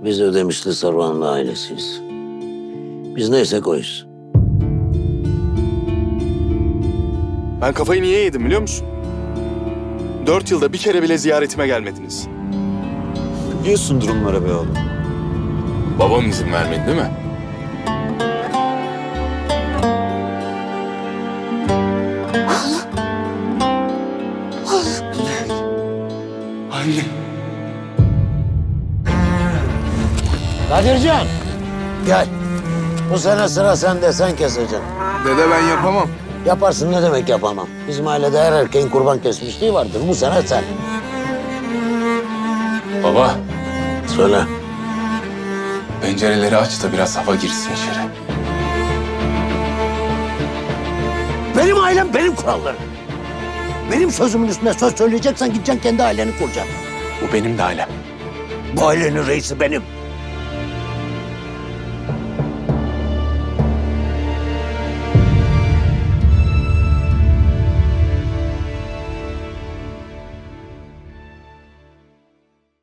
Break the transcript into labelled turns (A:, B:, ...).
A: Biz Ödemişli Saruhanlı ailesiyiz. Biz neysek oyuz.
B: Ben kafayı niye yedim biliyor musun? 4 yılda bir kere bile ziyaretime gelmediniz.
C: Biliyorsun durumları be oğlum.
B: Babam izin vermedi değil mi? Anne.
A: Kadircan! Gel. Bu sene sıra sende, sen keseceksin.
B: Dede ben yapamam.
A: Yaparsın, ne demek yapamam. Bizim ailede her erkeğin kurban kesmişliği vardır. Bu sene sen.
B: Baba,
A: Söyle.
B: pencereleri aç da biraz hava girsin içeri.
A: Benim ailem, benim kurallarım. Benim sözümün üstüne söz söyleyeceksen gideceksin kendi aileni kuracaksın.
B: Bu benim de ailem.
A: Bu ailenin reisi benim.